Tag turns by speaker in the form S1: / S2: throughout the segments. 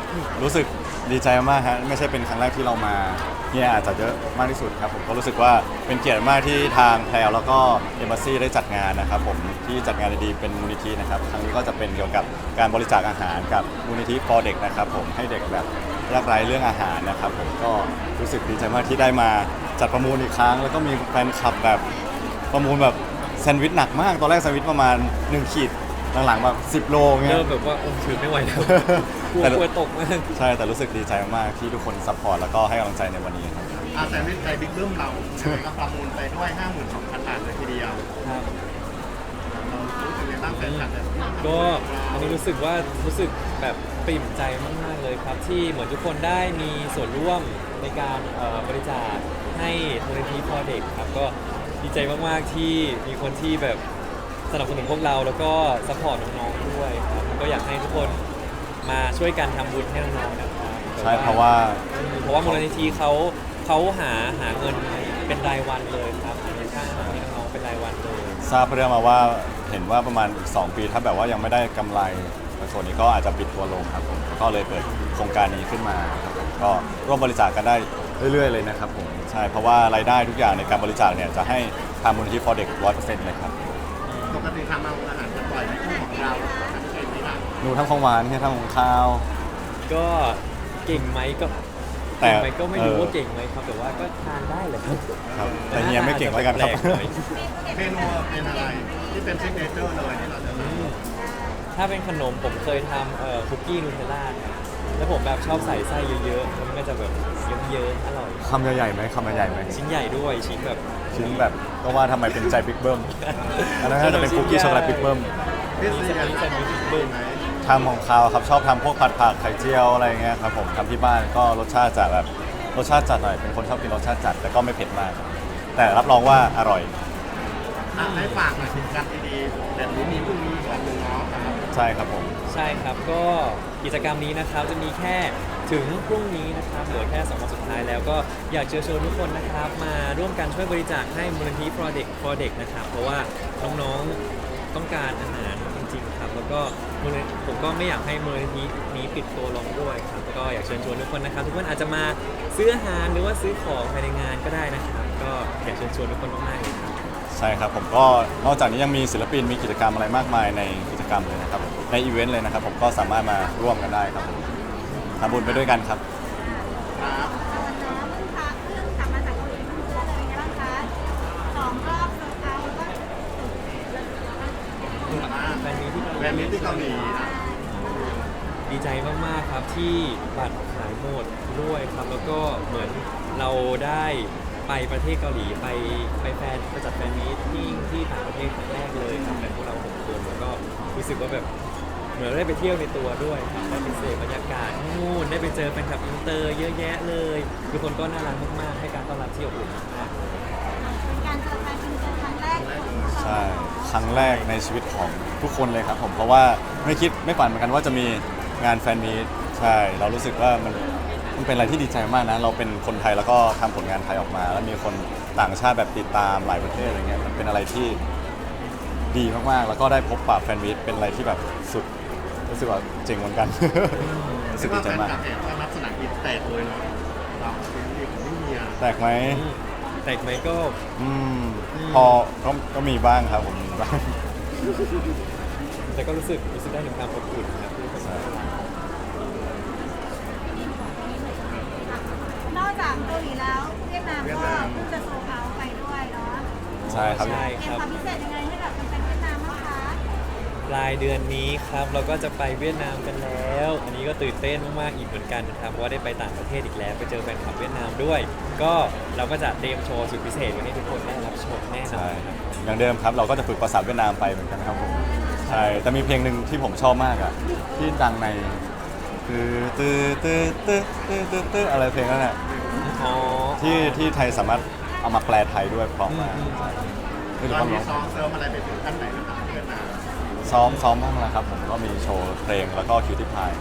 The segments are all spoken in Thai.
S1: รู้สึกดีใจมากฮะไม่ใช่เป็นครั้งแรกที่เรามาเนี่ยอาจจะเยอะมากที่สุดครับผมก็รู้สึกว่าเป็นเกียรติมากที่ทางแพลแล้วก็เอมบ s ซีได้จัดงานนะครับผมที่จัดงานดีๆเป็นมูลนิธินะครับครั้งนี้ก็จะเป็นเกี่ยวกับการบริจาคอาหารกับมูลนิธิ for เด็กนะครับผมให้เด็กแบบยากไร้เรื่องอาหารนะครับผมก็รู้สึกดีใจมากที่ได้มาจัดประมูลอีกครั้งแล้วก็มีแฟนคลับแบบประมูลแบบแซนด์วิชหนักมากตอนแรกแซนด์วิชประมาณ1ขีดหลังๆแบบ10 โลเงี้ย
S2: เริ่มแบบว่าโอ้ถือไม่ไหวแล้วกลัว
S1: แต่
S2: กลัวตกมาก
S1: ใช่แต่รู้สึกดีใจมากๆที่ทุกคนซัพพอร์ตแล้วก็ให้กำลังใจในวันนี้ครับ
S3: แซนด์วิชไทยบิ๊กเบิ้มเราก็ประมูลไปด้วย 52,000 บาทเลยทีเดียว
S2: ครับ
S3: เรารู้สึกยังไงบ้างแฟนคลับแบบ
S2: ก็อันนี้รู้สึกว่ารู้สึกแบบปริ่มใจมากๆเลยครับที่เหมือนทุกคนได้มีส่วนร่วมในการบริจาคให้มูลนิธิพ่อเด็กครับก็ดีใจมากๆที่มีคนที่แบบสนับสนุนพวกเราแล้วก็ซัพพอร์ตน้องๆด้วยครับก็อยากให้ทุกคนมาช่วยกันทำบุญให้น้องๆนะครับ
S1: ใช่เพราะว่า
S2: มูลนิธิเขาหาเงินเป็นรายวันเลยครับมีค่าอาหารให้น้องๆเป็นรายวันเลย
S1: ทราบเรื่องมาว่าเห็นว่าประมาณอีก2 ปีถ้าแบบว่ายังไม่ได้กำไรส่วนนี้ก็อาจจะปิดตัวลงครับผมก็เลยเปิดโครงการนี้ขึ้นมาครับผมก็ร่วมบริจาคกันได้เรื่อยๆเลยนะครับผมใช่เพราะว่ารายได้ทุกอย่างในการบริจาคเนี่ยจะให้ทางมูลนิธิ for เด็ก 100% เลยครับ
S3: ปกติทำอาหารกันบ่อยในคู่ของเราทำเองไหมล่ะ
S1: หนูทำของหวานเนี่ยทำของข้าว
S2: ก็เก่งไหมก็
S1: แต่
S2: เก่งไหมก็ไม่รู้ว่าเก่งไหมครับแต่ว่าก็ทานได้แหละครับ
S1: ครับแต่เฮียไม่เก่งแล้วกันครับ
S2: แปลๆหน่อย
S3: เมนูเป็นอะไรที่เป็นซิกเนเจอร์เลยที่เราจะ
S2: อืมถ้าเป็นขนมผมเคยทำคุกกี้นูเทลล่าครับแล้วผมแบบชอบใส่ไส้เยอะๆแล้วมันก็จะแบบเยิ้มๆอร่อย
S1: คำใหญ่ๆไหมคำใหญ่ๆไหม
S2: ชิ้นใหญ่ด้วยชิ้นแบบ
S1: ชิ้นแบบก็ว่าทำไมเป็นใจบิ๊กเบิ้มอันนั้นน่าจะเป็นคุกกี้ช็อกโกแลตบิ๊กเบิ้ม
S3: พี่ซีกันทำบิ๊กเบิ้มไหม
S1: ทำของคาวครับชอบทำพวกผัดผักไข่เจียวอะไรเงี้ยครับผมทำที่บ้านก็รสชาติจะแบบรสชาติจัดหน่อยเป็นคนชอบกินรสชาติจัดแต่ก็ไม่เผ็ดมากครับแต่รับรองว่าอร่อย
S3: ให้ฝากหน่อยกิจกรรมดีๆแบบนี้มีพรุ่งนี้วันหนึ่งเนาะครับ
S1: ใช่ครับผม
S2: ใช่ครับก็กิจกรรมนี้นะครับจะมีแค่ถึงพรุ่งนี้นะครับเหลือแค่2 วันสุดท้ายแล้วก็อยากเชิญชวนทุกคนนะครับมาร่วมกันช่วยบริจาคให้มูลนิธิ for เด็กนะครับเพราะว่าน้องๆต้องการอาหารจริงๆครับแล้วก็ผมก็ไม่อยากให้มูลนิธินี้ปิดตัวลงด้วยครับก็อยากเชิญชวนทุกคนนะครับทุกคนอาจจะมาซื้ออาหารหรือว่าซื้อของภายในงานก็ได้นะครับก็อยากเชิญชวนทุกคนมากๆเลยครับ
S1: ใช่ครับผมก็นอกจากนี้ยังมีศิลปินมีกิจกรรมอะไรมากมายในกิจกรรมเลยนะครับในอีเวนต์เลยนะครับผมก็สามารถมาร่วมกันได้ครับผมทำบุญไปด้วยกันครับ
S3: ครับ
S4: เพิ่งกลับมาจากเกาหลีเมื่อเลยไงบ้างคะ2 รอบโซลด์เอาท์แล้วก็
S2: แฟนมีที่
S3: แบรนด์นี้ที่เกาหลีนะ
S2: ดีใจมากๆครับที่บัตรขายหมดด้วยครับแล้วก็เหมือนเราได้ไปประเทศเกาหลีไปจัดแฟนมีตที่ต่างประเทศครั้งแรกเลยครับแบบพวกเรา6 คนแล้วก็รู้สึกว่าแบบเหมือนได้ไปเที่ยวในตัวด้วยครับได้ไปเสพบรรยากาศนู่นได้ไปเจอแฟนคลับอินเตอร์เยอะแยะเลยทุกคนก็น่ารักมากๆให้การต้อนรับที่อบอุ่นมาก
S4: เป็นการเจอแฟนอินเตอร์ครั้งแรกของพวกเรา
S1: ใช่ครั้งแรกในชีวิตของทุกคนเลยครับผมเพราะว่าไม่ฝันเหมือนกันว่าจะมีงานแฟนมีตใช่เรารู้สึกว่ามันเป็นอะไรที่ดีใจมากนะเราเป็นคนไทยแล้วก็ทำผลงานไทยออกมา แล้วมีคนต่างชาติแบบติดตามหลายประเทศอะไรเงี้ยมันเป็นอะไรที่ดีมากๆแล้วก็ได้พบปะแฟนมีตเป็นอะไรที่แบบสุดรู้สึกว่าเจ๋งเหมือนกัน รู้สึกดีใจมาก
S3: แฟนคลับเนี่ยก็รับสนามบินแตกเลยเนาะเราเป็นดีของพี่เมีย
S1: แตกไหม
S2: ๆแต่ไหมก็
S1: อืมพอก็มีบ้างครับผมมีบ้าง
S2: แต่ก็รู้สึกได้ถึงความอบอุ่นครับที่คน
S1: ใช่
S4: นอกจากเกาหลีแล้วเวียดนามก็เพิ่งจะโซลด์เอาท์ไปด้วยเนาะ
S1: ใช่ครับ
S2: ใช่
S4: เตรี
S2: ค
S4: ยม
S2: รับ
S4: ความพิเศษยังไงให้กับแฟนๆเวียดนามบ้างคะ
S2: ปลายเดือนนี้ครับเราก็จะไปเวียดนามกันแล้ว อันนี้ก็ตื่นเต้นมากๆอีกเหมือนกันนะครับเพราะว่าได้ไปต่างประเทศอีกแล้วไปเจอแฟนคลับเวียดนามด้วย ก็เราก็จะเตรียมโชว์สุดพิเศษไว้ให้ทุกคนได้รับชมแน่นอ
S1: ใช่
S2: นครับ
S1: อย่างเดิมครับเราก็จะฝึกภาษาเวียดนามไปเหมือนกันครับผมใช่แต่มีเพลงหนึ่งที่ผมชอบมากอ่ะที่ดังในตื้ออะไรเพลงนั้นอ่ะ
S2: อ๋อ
S1: ที่ไทยสามารถเอามาแปลไทยด้วยเพร้อมมากใช่ไม่
S3: ต
S1: รู้
S3: อน
S1: ว่า
S3: นี้
S1: ร้อง
S3: ซ้อมเซิร์ฟอะไรไปถึงขั้นไหนนะครับเวียดนาม
S1: ซ้อมบ้างแล้วครับผมก็มีโชว์เพลงแล้วก็คิวที่พาย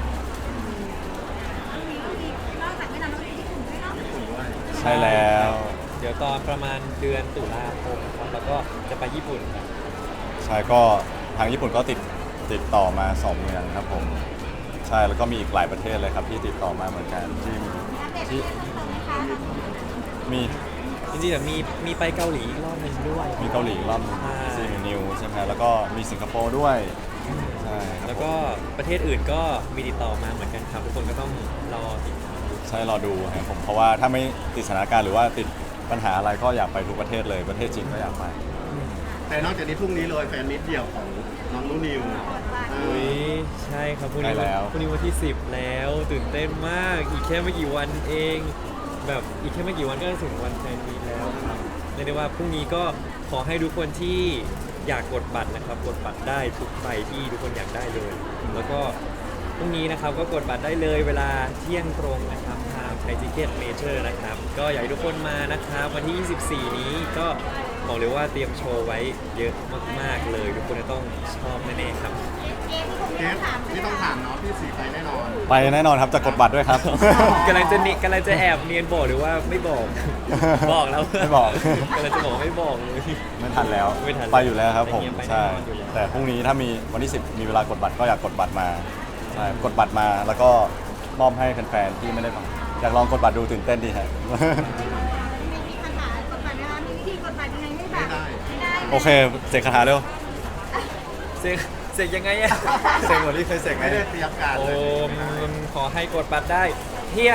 S4: นอกจากเวียดนามแล้วก็มีญี่ปุ่นด้วยเนาะ
S3: ญี่ปุ่นด้วย
S1: ใช่แล้ว
S2: เดี๋ยวตอนประมาณเดือนตุลาคมครับแล้วก็จะไปญี่ปุ่นครับ
S1: ใช่ก็ทางญี่ปุ่นก็ติดต่อมา2 เมืองครับผมใช่ช่แล้วก็มีอีกหลายประเทศเลยครับที่ติดต่อมาเหมือนกันที่
S4: อัปเดตที่เพิ่มเติมไหมคะ
S1: มี
S2: จริงๆแบบมีไปเกาหลีอีกรอบหนึ่งด้วย
S1: มีเกาหลีรอบหนึง
S2: ใช่
S1: ซีนิวใช่ไหมแล้วก็มีสิงคโปร์ด้วยใช่ครับ
S2: แล้วก็ประเทศอื่นก็มีติดต่อมาเหมือนกันครับทุกคนก็ต้องรอติดตามดู
S1: ใช่รอดูครับผมเพราะว่าถ้าไม่ติดสถานการณ์หรือว่าติดปัญหาอะไรก็อยากไปทุกประเทศเลยประเทศจีนก็อยากไป
S3: แต่นอกจากนี้พรุ่งนี้เลยแฟนมิตเดี่ยวของน้องนูนิว
S2: อุ้ยใช่ครับพรุ่งนี้
S1: ใกล้แล้ว
S2: พรุ่งนี้วันที่ 10 แล้วตื่นเต้นมากอีกแค่ไม่กี่วันเอง แบบอีกแค่ไม่กี่วันก็จะถึงวันแฟนมีตแล้วครับเรียกได้ว่าพรุ่งนี้ก็ขอให้ทุกคนที่อยากกดบัตรนะครับกดบัตรได้ทุกใบที่ทุกคนอยากได้เลย แล้วก็พรุ่งนี้นะครับก็กดบัตรได้เลยเวลาเที่ยงตรงนะครับทางไทยทิเก็ตเมเจอร์นะครับก็อยากให้ทุกคนมานะครับวันที่ 24 นี้ก็บอกเลยว่าเตรียมโชว์ไว้เยอะมากๆเลย ทุกคนจะต้องชอบแน่ๆครับ
S4: เกมที่คง
S3: เก
S4: ไม่ต้อ
S3: ส
S4: งถามใช่
S3: ที่
S4: ไหม
S3: ต้อง
S4: คะ
S3: ถามเนาะพี่สีไปแน่นอน
S1: ไปแน่นอนครับจะกดบัตรด้วยครับ
S2: กำลังจะแอบเนียนบอกหรือว่าไม่บอก บอกแล้ว
S1: ไม่บอก
S2: กำลังจะบอกไม่บอกเลย
S1: ไม่ทันแล้ว
S2: ไม่ทันแล้ว
S1: ไปอยู่แล้วครับผม
S2: ไปแน่นอน
S1: ใช่
S2: อยู่แล้ว
S1: แต่พรุ่งนี้ถ้ามีวันที่ 10 มีเวลากดบัตรก็อยากกดบัตรมาใช่กดบัตรมาแล้วก็มอบให้แฟนๆที่ไม่ได้มาอยากลองกดบัตรดูตื่นเต้นดีฮะ
S4: มีคาถากดบัตรไหมคะมีวิธีกดบัตรยังไงให้แบบไม่ได้
S1: โอเคเสกคาถาเร็ว
S2: เสกยังไงอะ
S1: เสกเหมือนที่เคยเสกไหม
S3: ไม่ได้เตรียมการ
S2: โอ
S3: เลย
S2: มขอให้กดบัตรได้เที่ยง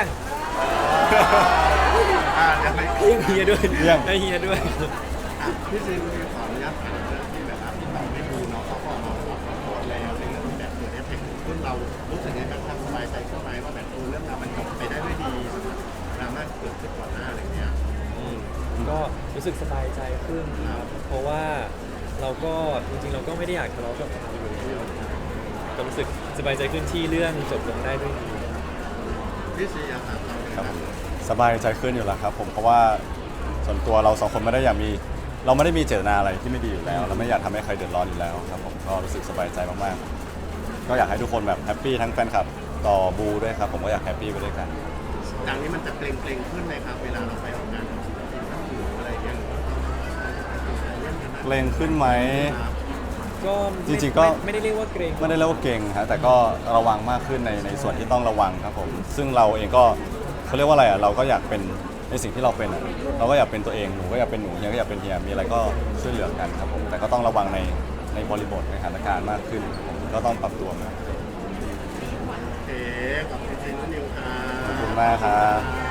S3: ยังไม่
S2: เที่ยงเฮียด้วย
S1: เที่ยง
S2: ได้เฮียด้วย
S3: พี่ซีมีขออนุญาตถามเรื่องที่แบบว่าที่เราไม่ดูเนาะเขาก็มาขอโทษแล้วในเรื่องที่แบบเกิดเอฟเฟกต์ขึ้นเรารู้สึกยังไงบ้างครับสบายใจขึ้นไหมว่าแบบเรื่องราวมันจบไปได้ด้วยดีสำหรับดราม่าที่เกิดขึ้นก่อนหน้าอะไรเงี้ย
S2: ก็รู้สึกสบายใจขึ้นครับ เพราะว่าเราก็จริงๆเราก็ไม่ได้อยากทะเลาะกับใครอยู่แล้วครับก็รู้สึกสบายใจขึ้นที่เรื่องจบลงได้ด้วยดี
S3: พี่ซีอะครับเราเป็น
S1: ครับ
S3: แบบ
S1: ผมสบายใจขึ้นอยู่แล้วครับผมเพราะว่าส่วนตัวเราสองคนไม่ได้อยากมีเราไม่ได้มีเจตนาอะไรที่ไม่ดีอยู่แล้วเราไม่อยากทำให้ใครเดือดร้อนอยู่แล้วครับผมก็รู้สึกสบายใจมากๆก็อยากให้ทุกคนแบบแฮปปี้ทั้งแฟนคลับต่อบูด้วยครับผมก็อยากแฮปปี้ไปด้วยกัน
S3: จากนี้มันจะเกรงขึ้นไหมครับเวลาเราไปออกงานกับศิลปินท่านอื่นอะไรอย่างเงี้ย
S1: เกรงขึ้นไหม
S2: ก็
S1: จริงๆก็
S2: ไม่ได้เรียกว่าเกรง
S1: ไม่ได้เรียกว่าเก่งฮะแต่ก็ระวังมากขึ้นในส่วนที่ต้องระวังครับผมซึ่งเราเองก็เขาเรียกว่าอะไรอ่ะเราก็อยากเป็นในสิ่งที่เราเป็นอ่ะเราก็อยากเป็นตัวเองหนูก็อยากเป็นหนูเฮียก็อยากเป็นเฮียมีอะไรก็ช่วยเหลือกันครับผมแต่ก็ต้องระวังในบริบทในสถานการณ์มากขึ้นผมก็ต้องปรับตัวมาก
S3: โอเคขอบคุณจริงๆนิวครั
S1: ขอบ
S3: บ
S1: คุณมากครับ